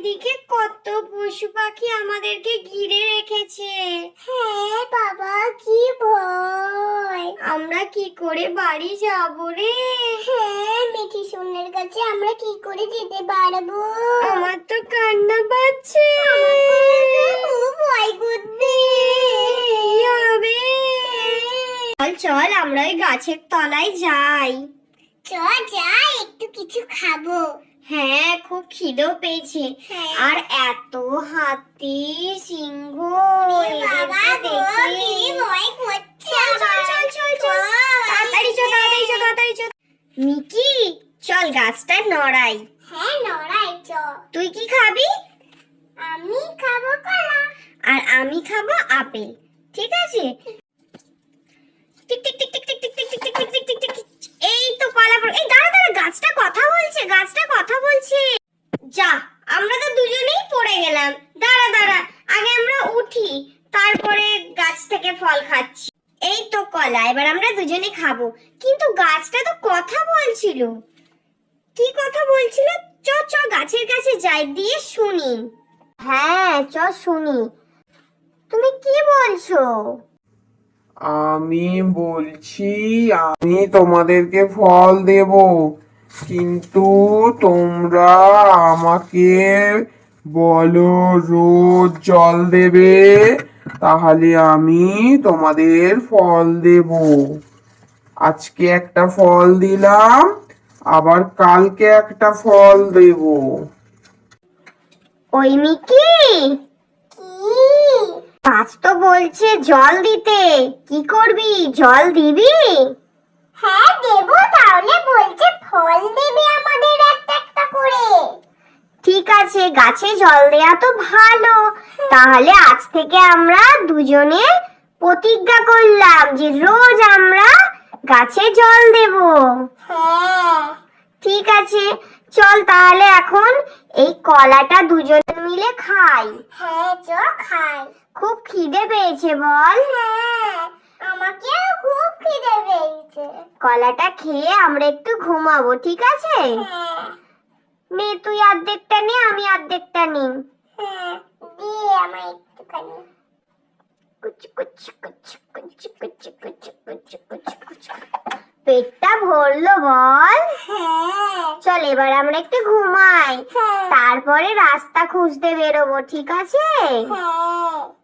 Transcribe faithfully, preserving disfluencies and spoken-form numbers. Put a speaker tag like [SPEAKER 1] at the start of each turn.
[SPEAKER 1] চারিদিকে কত পশু পাখি আমাদেরকে ঘিরে রেখেছে।
[SPEAKER 2] হ্যাঁ বাবা, কি ভয়।
[SPEAKER 1] আমরা কি করে বাড়ি যাব রে?
[SPEAKER 2] হ্যাঁ, মিঠি সোনার কাছে আমরা কি করে যেতে পারবো?
[SPEAKER 1] আমার তো কান্না পাচ্ছে।
[SPEAKER 2] খুব ভয় করছে।
[SPEAKER 1] কি হবে? চল চল আমরা ওই গাছের তলায় যাই।
[SPEAKER 2] চল যাই, একটু কিছু খাবো।
[SPEAKER 1] হ্যাঁ, খুব খিদেও পেয়েছে।
[SPEAKER 2] হ্যাঁ।
[SPEAKER 1] আর এত হাতি সিংহ
[SPEAKER 2] বাবা
[SPEAKER 1] এদেরকে
[SPEAKER 2] গো,
[SPEAKER 1] দেখে
[SPEAKER 2] কি ভয় করছে।
[SPEAKER 1] চল চল চল চল চল তাড়াতাড়ি চল তাড়াতাড়ি চল তাড়াতাড়ি চল। মিকি, চল গাছটা নড়াই।
[SPEAKER 2] হ্যাঁ নড়াই, চল।
[SPEAKER 1] তুই কি খাবি?
[SPEAKER 2] আমি খাবো কলা।
[SPEAKER 1] আর আমি খাবো আপেল। ঠিক আছে? টিক টিক টিক টিক টিক টিক টিক টিক টিক টিক টিক টিক টিক। এই তো কলা পড়ে। এই দাঁড়া দাঁড়া, গাছটা কথা বলছে, গাছটা কথা বলছে। যা, আমরা তো দুজনেই পড়ে গেলাম। দাঁড়া দাঁড়া, আগে আমরা উঠি, তারপরে গাছ থেকে ফল খাচ্ছি। এই তো কলা, এবার আমরা দুজনে খাবো। কিন্তু গাছটা তো কথা বলছিল। কি কথা বলছিল? চ চ গাছের কাছে যাই, দিয়ে শুনি। হ্যাঁ চ শুনি। তুমি কি বলছো?
[SPEAKER 3] আমি বলছি আমি তোমাদেরকে ফল দেব, কিন্তু তোমরা আমাকে বলো রোজ জল দেবে, তাহলে আমি তোমাদের ফল দেব। আজকে একটা ফল দিলাম, আবার কালকে একটা ফল দেব।
[SPEAKER 1] ওই মিকি,
[SPEAKER 2] কি?
[SPEAKER 1] গাছ তো বলছে জল দিতে, কি করবি? জল দিবি?
[SPEAKER 2] হ্যাঁ দেবো, তাহলে বলছে ফল দেবে আমাদের একটা একটা করে।
[SPEAKER 1] ঠিক আছে, গাছে জল দেয়া তো ভালো। তাহলে আজ থেকে আমরা দুজনে প্রতিজ্ঞা করলাম যে রোজ আমরা গাছে জল দেব।
[SPEAKER 2] হ্যাঁ।
[SPEAKER 1] ঠিক আছে, চল তাহলে এখন এই কলাটা দুজন মিলে খাই।
[SPEAKER 2] হ্যাঁ চ খাই।
[SPEAKER 1] খুব খিদে পেয়েছে বল?
[SPEAKER 2] হ্যাঁ, আমাকেও খুব খিদে পেয়েছে।
[SPEAKER 1] কলাটা খেয়ে আমরা একটু ঘুমাবো, ঠিক আছে?
[SPEAKER 2] হ্যাঁ।
[SPEAKER 1] নে তুই অর্ধেকটা নে, আমি অর্ধেকটা নিই।
[SPEAKER 2] হ্যাঁ, দে আমার একটুখানি।
[SPEAKER 1] কুচ কুচ কুচ কুচ কুচ কুচ কুচ কুচ কুচ। পেটটা ভরলো বল?
[SPEAKER 2] হ্যাঁ।
[SPEAKER 1] চল এবার আমরা একটু ঘুমাই,
[SPEAKER 2] হ্যাঁ।
[SPEAKER 1] তারপরে রাস্তা খুঁজতে বেরোবো, ঠিক আছে?
[SPEAKER 2] হ্যাঁ।